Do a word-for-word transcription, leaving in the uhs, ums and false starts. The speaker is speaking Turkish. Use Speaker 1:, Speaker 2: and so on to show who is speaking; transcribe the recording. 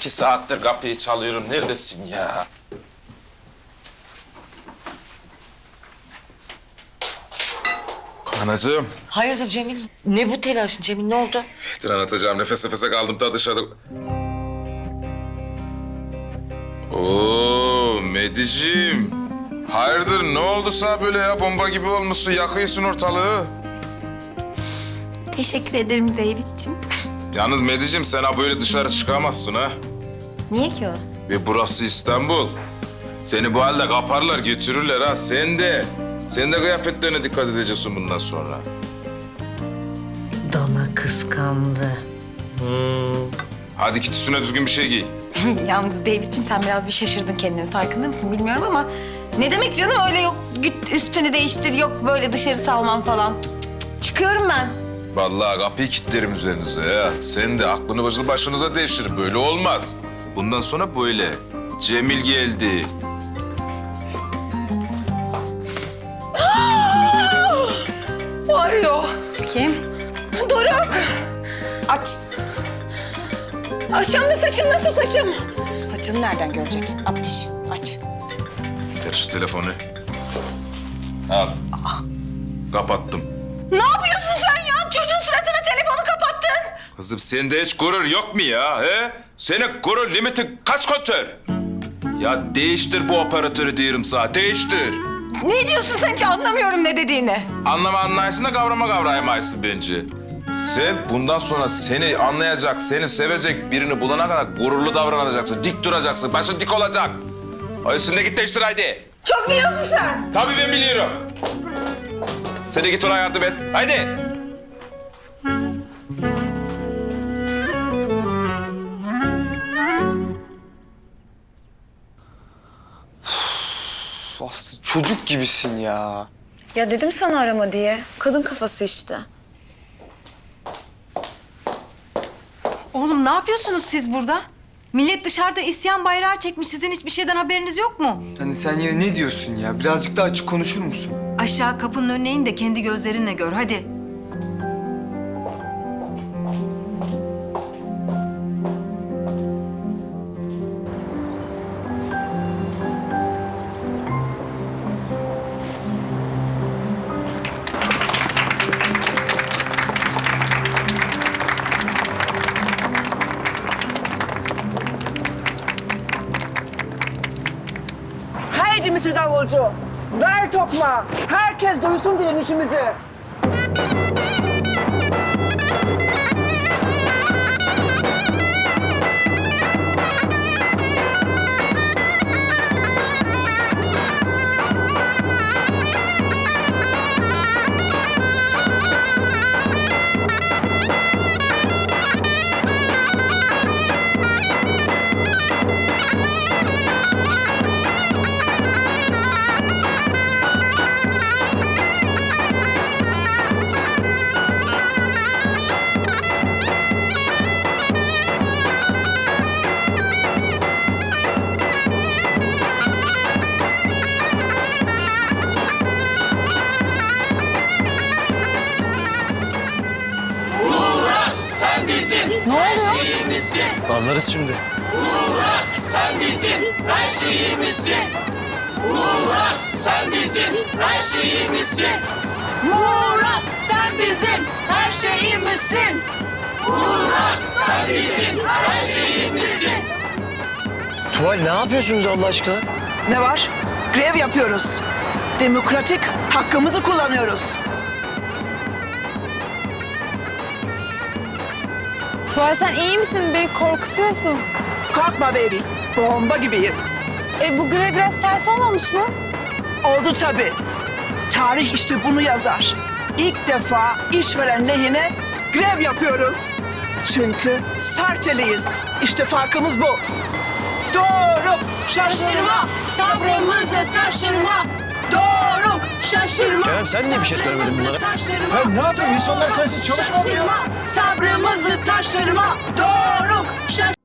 Speaker 1: İki saattir kapıyı çalıyorum. Neredesin ya? Anacığım.
Speaker 2: Hayırdır Cemil? Ne bu telaşın Cemil, ne oldu?
Speaker 1: Dur anlatacağım. Nefes nefese kaldım ta dışarı. Oo Mediciğim. Hayırdır ne oldu sana böyle ya? Bomba gibi olmuşsun. Yakıyorsun ortalığı.
Speaker 3: Teşekkür ederim David'ciğim.
Speaker 1: Yalnız Mediciğim sen ha böyle dışarı çıkamazsın ha.
Speaker 3: Niye ki o?
Speaker 1: Ve burası İstanbul. Seni bu halde kaparlar götürürler ha. Sen de. Sen de kıyafetlerine dikkat edeceksin bundan sonra.
Speaker 2: Dana kıskandı.
Speaker 1: Hadi git üstüne düzgün bir şey giy.
Speaker 3: Yalnız David'ciğim sen biraz bir şaşırdın kendini. Farkında mısın bilmiyorum ama... Ne demek canım öyle yok git üstünü değiştir, yok böyle dışarı salmam falan. Cık, cık, cık. Çıkıyorum ben.
Speaker 1: Vallahi kapıyı kilitlerim üzerinize ya. Sen de aklını başını başınıza devşir. Böyle olmaz. Bundan sonra böyle. Cemil geldi.
Speaker 3: Arıyor. Kim? Doruk. Aç. Açam da saçım nasıl saçım?
Speaker 4: Saçını nereden görecek? Abdiş, aç.
Speaker 1: Ver şu telefonu. Al. Kapattım.
Speaker 3: Ne yapıyorsun sen ya? Çocuğun suratına telefonu kapattın.
Speaker 1: Kızım sende hiç gurur yok mu ya? He? Senin gurur limitin kaç kontör? Ya değiştir bu operatörü diyorum sana. Değiştir.
Speaker 3: Ne diyorsun sen, hiç anlamıyorum ne dediğini.
Speaker 1: Anlama anlayışın da kavrama kavrayamayısın bence. Sen bundan sonra seni anlayacak, seni sevecek birini bulana kadar gururlu davranacaksın. Dik duracaksın. Başın dik olacak. O üstünde git değiştir haydi.
Speaker 3: Çok biliyorsun sen.
Speaker 1: Tabii ben biliyorum. Sen de git ona yardım et. Haydi.
Speaker 5: Aslı çocuk gibisin ya.
Speaker 4: Ya dedim sana arama diye. Kadın kafası işte.
Speaker 6: Oğlum ne yapıyorsunuz siz burada? Millet dışarıda isyan bayrağı çekmiş. Sizin hiçbir şeyden haberiniz yok mu?
Speaker 5: Hani sen yine ne diyorsun ya? Birazcık daha açık konuşur musun?
Speaker 6: Aşağı kapının önüne in de kendi gözlerinle gör hadi.
Speaker 7: Haydi Misir Davulcu, ver tokma. Herkes duysun direnişimizi.
Speaker 5: Anlarız şimdi.
Speaker 8: Murat sen bizim her şeyimizsin. Murat sen bizim her şeyimizsin. Murat sen bizim her şeyimizsin. Murat sen bizim her şeyimizsin.
Speaker 5: Tuval ne yapıyorsunuz Allah aşkına?
Speaker 7: Ne var? Grev yapıyoruz. Demokratik hakkımızı kullanıyoruz.
Speaker 4: Tuğay sen iyi misin? Beni korkutuyorsun.
Speaker 7: Korkma baby, bomba gibiyim.
Speaker 4: E bu grev biraz ters olmamış mı?
Speaker 7: Oldu tabii. Tarih işte bunu yazar. İlk defa işveren lehine grev yapıyoruz. Çünkü Sarteliyiz. İşte farkımız bu. Doğru, şaşırma, sabrımızı taşırma. Doğru, şaşırma.
Speaker 5: Kerem, sen niye bir şey söylemedin bunlara?
Speaker 7: Taşırma.
Speaker 5: Ya ne yapıyorsun? İnsanlar sensiz çalışmıyor mu ya?
Speaker 7: Şaşırma, sabrımızı taşırma. Doğru, şaşırma.